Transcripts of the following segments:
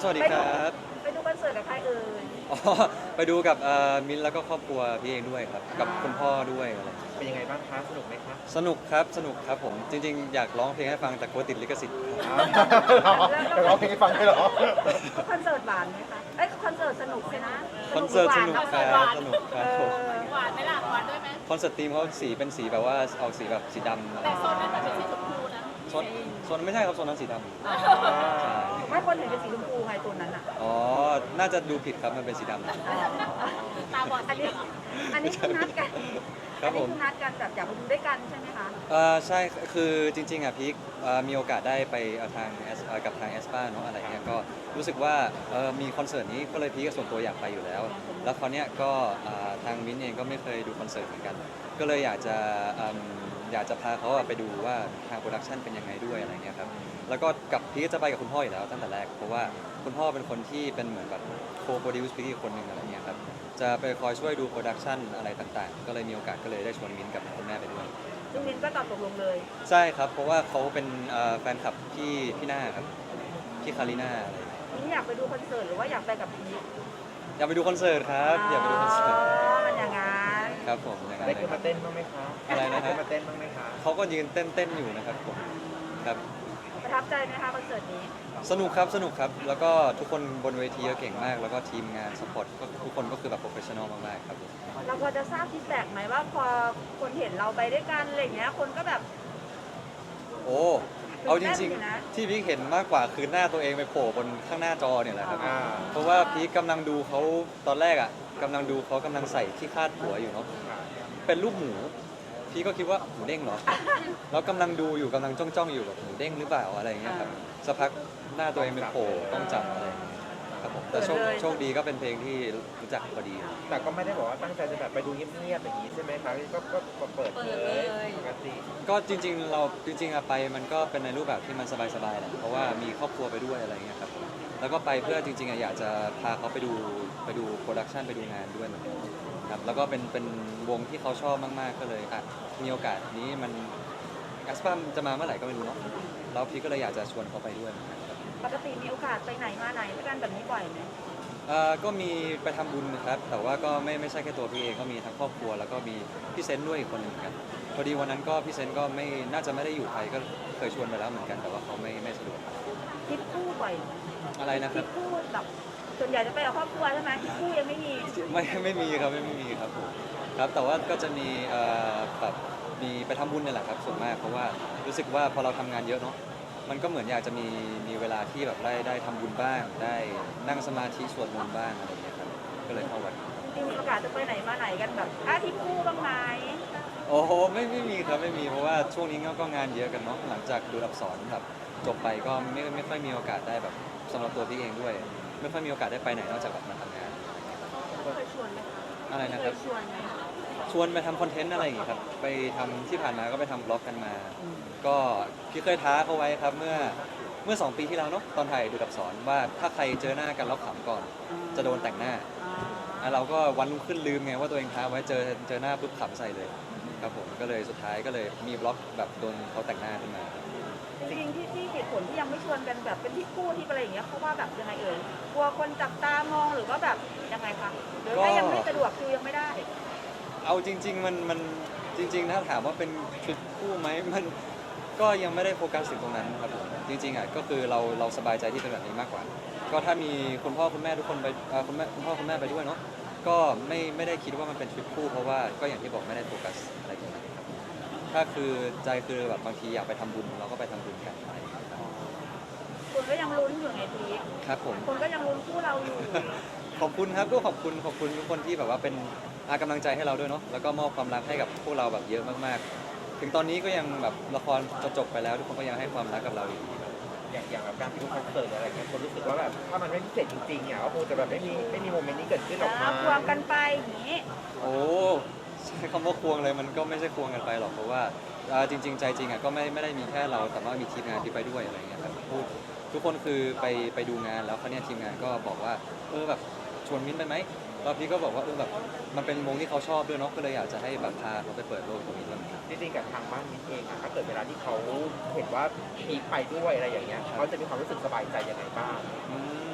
สวัสดีครับไปดูคอนเสิร์ตกับใครเอ่ยอ๋อไปดูกับมิ้นท์แล้วก็ครอบครัวพี่เองด้วยครับกับคุณพ่อด้วยอะไรเป็นยังไงบ้างคะสนุกไหมคะสนุกครับสนุกครับผมจริงๆอยากร้องเพลงให้ฟังแต่กลัวติดลิขสิทธิ์เดี๋ยวร้องเพลงให้ฟังได้เหรอคอนเสิร์ตหวานไหมคะเอ้ยคอนเสิร์ตสนุกใช่นะคอนเสิร์ตสนุกหวาครับสนุกครับผมหวานไหมล่ะหวานด้วยไหมคอนเสิร์ตทีมเขาสีเป็นสีแบบว่าออกสีแบบสีดำอะไรแต่โซนนั้นมันเป็นสีชมพูนะโซนไม่ใช่ครับโซนนั้นสีดำใช่ไม่คนเห็นเป็นสีชมพูไงตัวนั้นอ่ะอ๋อน่าจะดูผิดครับมันเป็นสีดำตาบอดอันนี้อันนี้คือนัดกันครับผมอันนี้คือนัดกันแบบอยากไปดูด้วยกันใช่ไหมคะใช่คือจริงๆอ่ะพีคมีโอกาสได้ไปทางกับทางแอสปาเนาะอะไรเงี้ยก็รู้สึกว่ามีคอนเสิร์ตนี้ก็เลยพีคส่วนตัวอยากไปอยู่แล้ว แล้วคราวเนี้ยก็ทางมิ้นท์เองก็ไม่เคยดูคอนเสิร์ตเหมือนกัน ก็เลยอยากจะพาเขาไปดูว่าทางโปรดักชันเป็นยังไงด้วยอะไรเงี้ยครับแล้วก็กับพีคจะไปกับคุณพ่ออยู่แล้วตั้งแต่แรกเพราะว่าคุณพ่อเป็นคนที่เป็นเหมือนแบบโคโปรดิวซ์พีคคนหนึ่งอะไรเงี้ยครับจะไปคอยช่วยดูโปรดักชันอะไรต่างๆ ก็เลยมีโอกาสก็เลยได้ชวนมิ้นท์กับคุณแม่ไปด้วยซึ่งมินก็ตอบตกลงเลยใช่ครับ เพราะว่าเขาเป็นแฟนคลับพี่หน้าครับพี่คาริน่าอะไรอย่างเงี้ยนี่อยากไปดูคอนเสิร์ตหรือว่าอยากไปกับพีคอยากไปดูคอนเสิร์ตครับอยากไปดูคอนเสิร์ตมันอย่างงั้นครับผมอย่างนั้นได้เลยขึ้นครัมาบเต้นบ้างไหมคะอะไรนะฮะด้ขึ้นมาเต้นบ้างไหมคะเขาก็ยืนเต้นอยู่นะครับผมครับประทับใจไหมคะคอนเสิร์ตนี้สนุกครับสนุกครับ แล้วก็ทุกคนบนเวทีก็เก่งมาก แล้วก็ทีมงานสปอร์ตก็ทุกคนก็คือแบบโปรเฟชชั่นอลมากๆครับผมเราพอจะทราบฟีดแบ็กไหมว่าพอคนเห็นเราไปด้วยกันอะไรอย่างเงี้ยคนก็แบบโอ้เอาจริงตื่นเต้นอยู่นะๆ ที่พีคเห็นมากกว่าคือหน้าตัวเองไปโผล่บนข้างหน้าจอเนี่ยแหละครับอ่าเพราะว่าพีคกำลังดูเขาตอนแรกอ่ะกำลังดูเขากำลังใส่ที่คาดหัวอยู่เนาะ เป็นรูปหมู พี่ก็คิดว่าหมูเด้งเหรอ แล้วกำลังดูอยู่กำลังจ้องอยู่แบบหมูเด้งหรือเปล่าอะไรอย่างเงี้ยครับสักพักหน้าตัวเองเป็นโผล่ต้องจับอะไรอย่างเงี้ยครับผมแต่โชคดีก็เป็นเพลงที่รู้จักพอดีแต่ก็ไม่ได้บอกว่าตั้งใจจะแบบไปดูเงียบๆอย่างนี้ใช่ไหมคะก็เปิดเลยปกติก็จริงๆเราจริงๆอะไปมันก็เป็นในรูปแบบที่มันสบายๆแหละเพราะว่ามีครอบครัวไปด้วยอะไรอย่างเงี้ยครับแล้วก็ไปเพื่อจริงๆอะอยากจะพาเขาไปดูโปรดักชันไปดูงานด้วยเหมือนกันครับแล้วก็เป็นวงที่เขาชอบมากๆก็เลยอ่ะมีโอกาสนี้มันแอสปามจะมาเมื่อไหร่ก็ไม่รู้เนาะแล้วพี่ก็เลยอยากจะชวนเขาไปด้วยเหมือนกันครับปกติมีโอกาสไปไหนมาไหนด้วยกันแบบนี้บ่อยไหมก็มีไปทำบุญนะครับแต่ว่าก็ไม่ใช่แค่ตัวพี่เองก็มีทั้งครอบครัวแล้วก็มีพี่เซนต์ด้วยอีกคนหนึ่งเหมือนกันพอดีวันนั้นก็พี่เซนต์ก็ไม่น่าจะไม่ได้อยู่ไทยก็เคยชวนไปแล้วเหมือนกันแต่ว่าเขาไม่สะดวกทริปคู่บ่อยไหมอะไรนะทคริรับปคู่แบบส่วนใหญ่จะไปกับครอบครัวใช่ไหมทริปคู่ยังไม่มีไม่มีครับไม่มีครับผมครับแต่ว่าก็จะมีแบบมีไปทำบุญนี่แหละครับส่วนมากเพราะว่ารู้สึกว่าพอเราทำงานเยอะเนาะมันก็เหมือนอยากจะมีเวลาที่แบบได้ทำบุญบ้าง ได้นั่งสมาธิสวดมนต์บ้างอะไรอย่างเงี้ยครับก็เลยเข้าวัดจริงๆมีโอกาสจะไปไหนมาไหนกันแบบทริปคู่บ้างไหมโอ้โหไม่มีครับไม่มีเพราะว่าช่วงนี้ก็งานเยอะกันเนาะหลังจากดูอักษรแบบจบไปก็ไม่ค่อยมีโอกาสได้แบบสำหรับตัวพี่เองด้วย ไม่ค่อยมีโอกาสได้ไปไหนนอกจากแบบมาทำงานเคยชวนไหมคะอะไรนะเคครับยชวนไหมชวนไปทำคอนเทนต์อะไรอย่างงี้ครับไปทำที่ผ่านมาก็ไปทำบล็อกกันมา ก็พี่เคยท้าเขาไว้ครับเมื่อ2 ปีที่แล้วเนาะตอนถ่ายดูอักษรว่าถ้าใครเจอหน้ากันแล้วขำก่อน จะโดนแต่งหน้า เราก็วันรุ่งขึ้นลืมไงว่าตัวเองท้าไว้เจอหน้าปุ๊บขำใส่เลยครับผมก็เลยสุดท้ายก็เลยมีบล็อกแบบโดนเขาแต่งหน้าขึ้นมาจริงๆที่เหตุผลที่ยังไม่ชวนกันแบบเป็นทริปคู่ที่อะไรอย่างเงี้ยเพราะว่าแบบยังไงเอ่ยกลัวคนจับตามองหรือว่าแบบยังไงคะหรือว่ายังไม่สะดวกคือยังไม่ได้เอาจริงๆมันจริงๆถ้าถามว่าเป็นทริปคู่ไหมมันก็ยังไม่ได้โฟกัสถึงตรงนั้นครับผมจริงๆอ่ะก็คือเราสบายใจที่เป็นแบบนี้มากกว่า ก็ถ้ามีคุณพ่อคุณแม่ทุกคนไปคุณพ่อคุณแม่ไปด้วยเนาะก็ไม่ได้คิดว่ามันเป็นทริปคู่เพราะว่าก็อย่างที่บอกไม่ได้โฟกัสอะไรตรงนั้นครับถ้าคือใจคือแบบบางทีอยากไปทำบุญเราก็ไปทำบุญกันอะไรอย่างเงี้ยครับคนก็ยังลุ้นอยู่ไงพีคครับผมคนก็ยังลุ้นคู่เราอยู่ขอบคุณครับก็ขอบคุณทุกคนที่แบบว่าเป็นกำลังใจให้เราด้วยเนาะแล้วก็มอบความรักให้กับพวกเราแบบเยอะมากๆ ถึงตอนนี้ก็ยังแบบละครจะจบไปแล้วทุกคนก็ยังให้ความรักกับเราอยู่ดีครับอย่างแบบการไปดูคอนเสิร์ตอะไรเงี้ยคนรู้สึกว่าแบบถ้ามันไม่พิเศษจริงๆเนี่ยก็คงจะแบบไม่มีโมเมนต์นี้เกิดขึ้นหรอกนะควงกันไปอย่างนี้โอ้ใช้คำว่าควงเลยมันก็ไม่ใช่ควงกันไปหรอกเพราะว่าจริงๆใจจริงอ่ะก็ไม่ได้มีแค่เราแต่ว่ามีทีมงานที่ไปด้วยอะไรเงี้ยครับทุกคนคือไปดูงานแล้วเขาวเนี่ยทีมงานก็บอกว่าแบบชวนมิ้นท์ไปไหมแล้วพี่ก็บอกว่าแบบมันเป็นวงที่เขาชอบด้วยเนาะก็เลยอยากจะให้แบบพาเขาไปเปิดโลกตรงนี้บ้างจริงๆกับทางบ้านมินเองอะถ้าเกิดเวลาที่เขาเห็นว่าพีคไปด้วยอะไรอย่างเงี้ยเขาจะมีความรู้สึกสบายใจยังไงบ้างอืม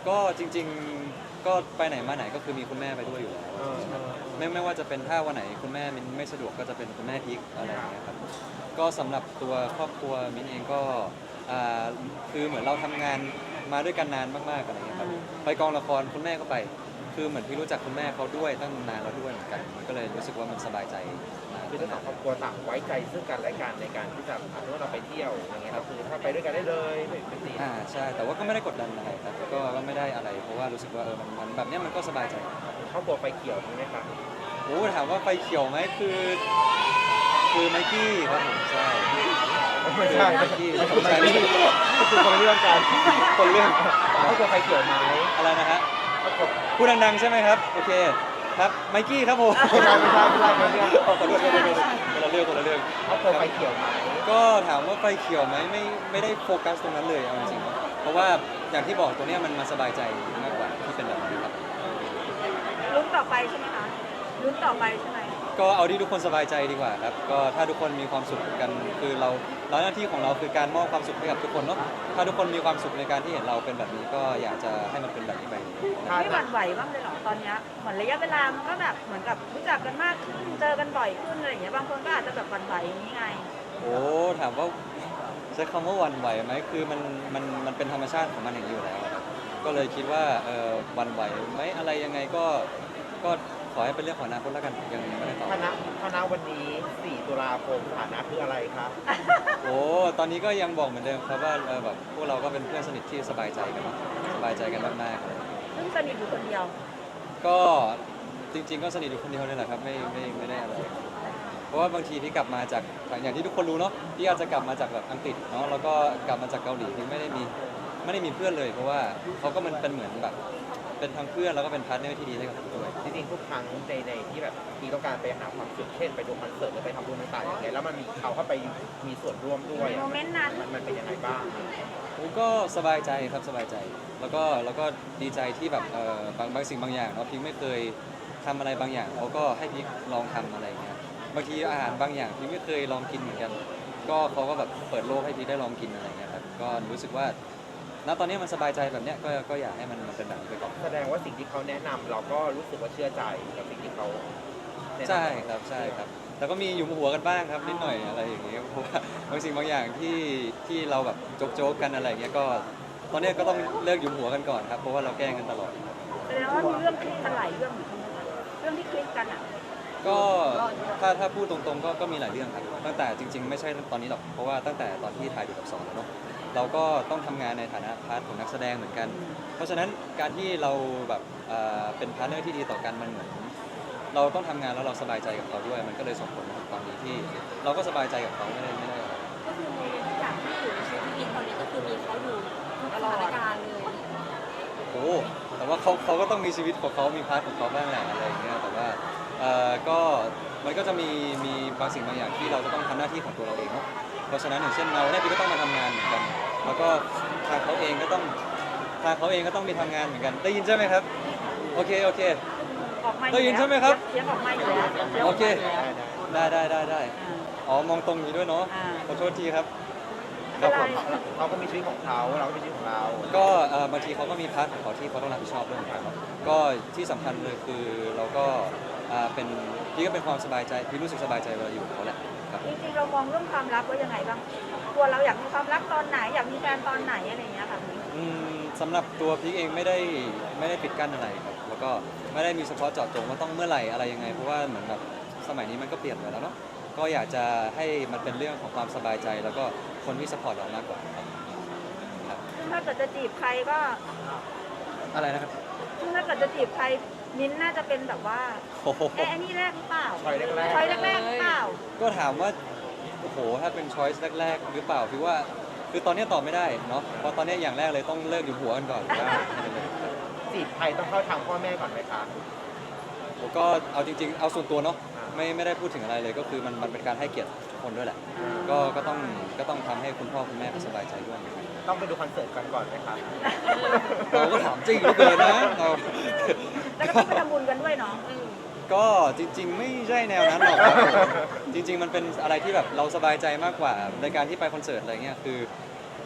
ก็จริงๆก็ไปไหนมาไหนก็คือมีคุณแม่ไปด้วยอยู่แล้ว ไม่ว่าจะเป็นถ้าวันไหนคุณแม่มินไม่สะดวกก็จะเป็นคุณแม่พิกอะไรอย่างเงี้ยครับก็สำหรับตัวครอบครัวมินเองก็อ่าคือเหมือนเราทำงานมาด้วยกันนานมากๆอะไรอย่างเงี้ยครับไปกองละครคุณแม่ก็ไป คือเหมือนพี่รู้จักคุณแม่เขาด้วยตั้งนานแล้วด้วยเหมือนกันมันก็เลยรู้สึกว่ามันสบายใจมากคือทั้งสองครอบครัวต่างไว้ใจซึ่งกันและกันในการที่จะถ้าเราไปเที่ยวอย่างเงี้ยก็คือถ้าไปด้วยกันได้เลยไม่ติดใช่แต่ว่าก็ไม่ได้กดดันอะไรครับก็ไม่ได้อะไร เพราะว่ารู้สึกว่ามันแบบเนี้ยมันก็สบายใจครอบครัวไฟเขียวใช่ไหมครับโอ้ถามว่าไฟเขียวไหมคือไมกี้ครับผมใช่ไม่ใช่ไมไม่กี้ใช่ไม่ใช่คือคนละเรื่องกันคนเรื่องครอบครัวไฟเขียวไหมอะไรนะฮะครอบครัวพูดดังๆใช่ไหมครับโอเคครับไมกี้ครับผมไม่ใช่ไม่ใช่คนละเรื่องขอโทษคนละเรื่องครอบครัวไฟเขียวไหมก็ถามว่าไฟเขียวไหมไม่ได้โฟกัสตรงนั้นเลยเอาจริงๆเนอะเพราะว่าอย่างที่บอกตัวเนี้ยมันสบายใจมากกว่าที่เป็นแบบนี้ครับลุ้นต่อไปใช่ไหมคะลุ้นต่อไปใช่ไหมก็เอาที่ทุกคนสบายใจดีกว่าครับก็ถ้าทุกคนมีความสุขกันคือเราหน้าที่ของเราคือการมอบความสุขให้กับทุกคนเนาะถ้าทุกคนมีความสุขในการที่เห็นเราเป็นแบบนี้ก็อยากจะให้มันเป็นแบบนี้ไปไม่หวั่นไหวบ้างเลยเหรอตอนเนี้ยเหมือนระยะเวลามันก็แบบเหมือนกับรู้จักกันมากขึ้นเจอกันบ่อยขึ้นอะไรอย่างเงี้ยบางคนก็อาจจะแบบหวั่นไหวอย่างนี้ไงโอ้ถามว่าใช้คำว่าหวันไหวไหมคือมันเป็นธรรมชาติของมันอย่างนี้อยู่แล้วครับก็เลยคิดว่าหวันไหวไหมอะไรยังไงก็ขอให้เป็นเรื่องของอนาคตแล้วกันยังไม่ได้ตอบคณะวันนี้ 4 ตุลาคมฐานะคืออะไรครับโอ้ตอนนี้ก็ยังบอกเหมือนเดิมครับว่าแบบพวกเราก็เป็นเพื่อนสนิทที่สบายใจกันเนอะสบายใจกันมากๆเลยซึ่งสนิทอยู่คนเดียวก็จริง ๆ ก็สนิทอยู่คนเดียวนี่แหละครับไม่ได้อะไรเพราะว่าบางทีที่กลับมาจากอย่างที่ทุกคนรู้เนาะที่อาจจะกลับมาจากแบบอังกฤษเนาะแล้วก็กลับมาจากเกาหลีที่ไม่ได้มีเพื่อนเลย เพราะว่าเขาก็มันเป็นเหมือนแบบเป็นทั้งเพื่อนแล้วก็เป็นพาร์ทเนอร์ที่ดีให้กับผมด้วยจริงๆทุกครั้งในที่แบบที่ต้องการไปหาความสุขเช่นไปดูคอนเสิร์ตหรือไปทำบุญต่างๆอย่างเงี้ยแล้วมันมีเขาเข้าไปมีส่วนร่วมด้วยโมเมนต์นั้นมันเป็นยังไงบ้างผมก็สบายใจครับสบายใจ แล้วก็ดีใจที่แบบบางสิ่งบางอย่างเนาะพิงไม่เคยทำอะไรบางอย่างเขาก็ให้พิงลองทำอะไรอย่างเงี้ยบางทีอาหารบางอย่างพิงไม่เคยลองกินเหมือนกัน ก็เขาก็แบบเปิดโลกให้พิงได้ลองกินอะไรอย่างเงี้ยครับก็รู้สึกว่าณตอนนี้มันสบายใจแบบเนี้ยก็อยากให้มันเป็นแบบนี้ไปก่อนแสดงว่าสิ่งที่เขาแนะนำเราก็รู้สึกว่าเชื่อใจกับสิ่งที่เขาแนะนำใช่ครับแล้วก็มีหยุมหัวกันบ้างครับนิดหน่อยอะไรอย่างเงี้ยเพราะว่าบางสิ่งบางอย่างที่เราแบบโจ๊กๆกันอะไรอย่างเงี้ยก็ตอนเนี้ยก็ต้องเลิกหยุมหัวกันก่อนครับเพราะว่าเราแกล้งกันตลอดแสดงว่ามีเรื่องคลิกกันหลายเรื่องอยู่ใช่ไหมคะเรื่องที่คลิกกันอ่ะก็ถ้าพูดตรงๆก็มีหลายเรื่องครับตั้งแต่จริงๆไม่ใช่ตอนนี้หรอกเพราะว่าตั้งแต่ตอนที่ถ่ายดูกับสอนแล้วเนาะเราก็ต้องทำงานในฐานะพาร์ทของนักแสดงเหมือนกัน เพราะฉะนั้นการที่เราแบบเป็นพาร์ทเนอร์ที่ดีต่อกันมันเหมือนเราต้องทำงานแล้วเราสบายใจกับเขาด้วย มันก็เลยส่งผลมาถึงตอนนี้ที่เราก็สบายใจกับเขาไม่ได้อะไรก็คือในทุกอย่างที่อยู่ในชีวิตพี่กิ๊กตอนนี้ก็คือมีเขาอยู่ทุกสถานการณ์เลยโอ้แต่ว่าเขาก็ต้องมีชีวิตของเขามีพาร์ทของเขาบ้างแหละอะไรอย่างเงี้ยแต่ว่าก็มันก็จะมีบางสิ่งบางอย่างที่เราจะต้องทำหน้าที่ของตัวเราเองเนาะเพราะฉะนั้นอย่างเช่นเราเนี่ยพี่ก็ต้องมาทำงานเหมือนกัน แล้วก็ทางเขาเองก็ต้องมีทำงานเหมือนกัน ได้ยินใช่ไหมครับโอเคออกมาอยู่ได้ยินใช่ไหมครับเสียงออกมาอยู่แล้วสียงกมายู่แล้วโอเค ได้อ่าอ๋อมองตรงนี้ด้วยเนาะอ่าขอโทษทีครับครับผมเขาก็มีชีวิตของเขาเราก็มีชีวิตของเราก็บางทีเขาก็มีพาร์ทของเขาที่เขาต้องรับผิดชอบด้วยเหมือนกันเนาะก็ที่สำคัญเลยคือเราก็เป็นพี่ก็เป็นความสบายใจพี่รู้สึกสบายใจเวลาอยู่กับเขาแหละครับจริงๆเรามองเรื่องความรักไว้ยังไงบ้างตัวเราอยากมีความรักตอนไหนอยากมีแฟนตอนไหนอะไรอย่างเงี้ยค่ะสำหรับตัวพีคเองไม่ได้ปิดกั้นอะไรครับแล้วก็ไม่ได้มีเฉพาะเจาะจงว่าต้องเมื่อไหร่อะไรยังไงเพราะว่าเหมือนแบบสมัยนี้มันก็เปลี่ยนไปแล้วเนาะก็อยากจะให้มันเป็นเรื่องของความสบายใจ แล้วก็คนที่สปอร์ตเรามากกว่าครับซึ่งถ้าเกิดจะจีบใครก็อะไรนะครับซึ่งถ้าเกิดจะจีบใครมิ้นท์น่าจะเป็นแบบว่าโอ้โหไอ้นี่แรกหรือเปล่าช้อยแรกๆช้อยแรกๆหรือเปล่าก็ถามว่าโอ้โหถ้าเป็นช้อยส์แรกๆหรือเปล่าพี่ว่าคือตอนนี้ตอบไม่ได้เนาะเพราะตอนนี้อย่างแรกเลยต้องเลิกอยู่หัวกันก่อนจีบใครต้องเข้าทางพ่อแม่ก่อนไหมคะผมก็เอาจริงๆเอาส่วนตัวเนาะไม่ได้พูดถึงอะไรเลยก็คือมันเป็นการให้เกียรติคนด้วยแหละก็ต้องทำให้คุณพ่อคุณแม่เขาสบายใจด้วยต้องไปดูคอนเสิร์ตกันก่อนไหมคะเราก็ถามจริงเหลือเกินนะเราแล้วก็ต้องไปทำบุญกันด้วยเนาะก็จริง ๆ ไม่ใช่แนวนั้นหรอกครับจริง ๆ มันเป็นอะไรที่แบบเราสบายใจมากกว่าในการที่ไปคอนเสิร์ตอะไรเงี้ยคือ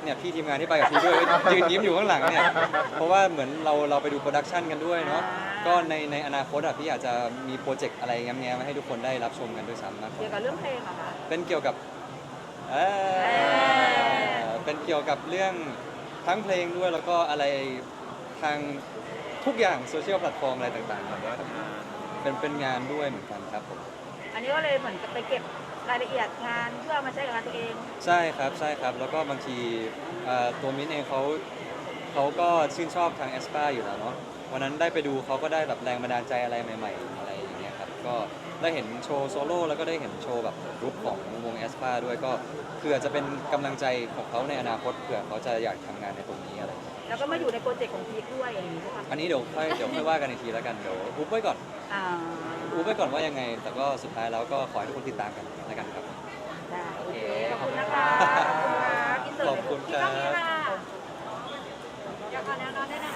เนี่ยพี่ทีมงานที่ไปกับพี่ด้วยก็ยืนยิ้มอยู่ข้างหลังเนี่ยเพราะว่าเหมือนเราไปดูโปรดักชันกันด้วยเนาะก็ในอนาคตอ่ะพี่อาจจะมีโปรเจกต์อะไรแง้มๆมาให้ทุกคนได้รับชมกันด้วยซ้ำมากกเกี่ยวว่ากับเรื่องเพลงเหรอคะเป็นเกี่ยวกับเป็นเกี่ยวกับเรื่องทั้งเพลงด้วยแล้วก็อะไรทางทุกอย่างโซเชียลแพลตฟอร์มอะไรต่างๆครับเป็นงานด้วยเหมือนกันครับผมอันนี้ก็เลยเหมือนกับไปเก็บรายละเอียดงานเพื่อมาใช้กับงานตัวเองใช่ครับแล้วก็บางทีตัวมิ้นเองเขาก็ชื่นชอบทางแอสปาอยู่แล้วเนาะวันนั้นได้ไปดูเขาก็ได้แบบแรงบันดาลใจอะไรใหม่ๆอะไรอย่างเงี้ยครับก็ได้เห็นโชว์โซโล่แล้วก็ได้เห็นโชว์แบบกรุ๊ปของวงแอสปาด้วยก็คืออาจจะเป็นกำลังใจของเขาในอนาคตเผื่อเขาจะอยากทำงานในตรงนี้อะไรอย่างเงี้ยแล้วก็มาอยู่ในโปรเจกต์ของพีคด้วยอย่างนี้ใช่ไหมอันนี้เดี๋ยวค่อยว่ากันอีกทีแล้วกันเดี๋ยวอุ๊บไว้ก่อนอ่าอุ๊บไว้ก่อนว่ายังไง แต่ก็สุดท้ายแล้วก็ขอให้ทุกคนติดตามกันแล้วกันครับได้โอเคขอบคุณนะคะขอบคุณค่ะอินเสิร์ตขอบคุณครับพี่ก้องนี่ค่ะอยากขอแนวนอนได้นะคะ